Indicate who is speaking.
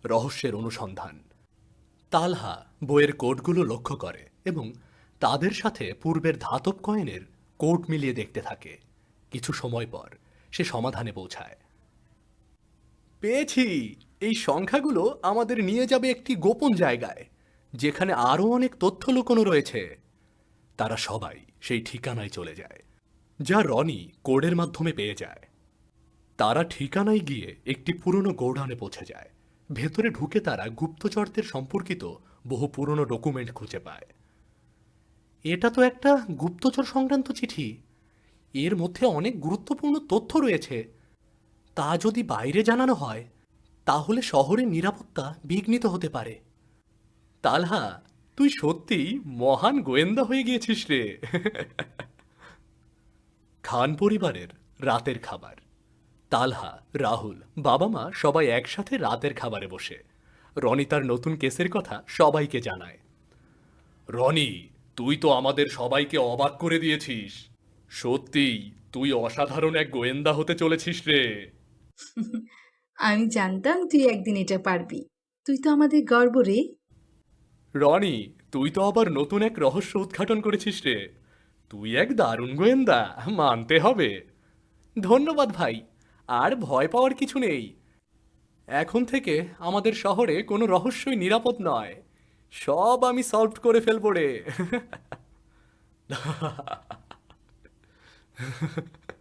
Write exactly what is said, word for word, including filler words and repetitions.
Speaker 1: রহস্যের অনুসন্ধান। তালহা বইয়ের কোডগুলো লক্ষ্য করে এবং তাদের সাথে পূর্বের ধাতব কয়েনের কোড মিলিয়ে দেখতে থাকে। কিছু সময় পর সে সমাধানে পৌঁছায়। পেয়েছি! এই সংখ্যাগুলো আমাদের নিয়ে যাবে একটি গোপন জায়গায়, যেখানে আরও অনেক তথ্য লুকোনো রয়েছে। তারা সবাই সেই ঠিকানায় চলে যায়, যা রনি কোডের মাধ্যমে পেয়ে যায়। তারা ঠিকানায় গিয়ে একটি পুরনো গোডাউনে পৌঁছে যায়। ভেতরে ঢুকে তারা গুপ্তচরদের সম্পর্কিত বহু পুরনো ডকুমেন্ট খুঁজে পায়। এটা তো একটা গুপ্তচর সংক্রান্ত চিঠি। এর মধ্যে অনেক গুরুত্বপূর্ণ তথ্য রয়েছে। তা যদি বাইরে জানানো হয়, তাহলে শহরের নিরাপত্তা বিঘ্নিত হতে পারে। তালহা, তুই সত্যিই মহান গোয়েন্দা হয়ে গিয়েছিস রে। খান পরিবারের রাতের খাবার। তালহা, রাহুল, বাবা মা সবাই একসাথে রাতের খাবারে বসে রনি তার নতুন কেসের কথা সবাইকে জানায়। রনি, তুই তো আমাদের সবাইকে অবাক করে দিয়েছিস। সত্যিই তুই অসাধারণ এক গোয়েন্দা হতে চলেছিস রে।
Speaker 2: আমি জানতাম তুই একদিন এটা পারবি। তুই তো আমাদের গর্ব রে।
Speaker 1: রনি, তুই তো আবার নতুন এক রহস্য উদ্ঘাটন করেছিস রে। তুই এক দারুণ গোয়েন্দা, মানতে হবে। ধন্যবাদ ভাই। আর ভয় পাওয়ার কিছু নেই। এখন থেকে আমাদের শহরে কোনো রহস্যই নিরাপদ নয়। সব আমি সলভ করে ফেলবো রে।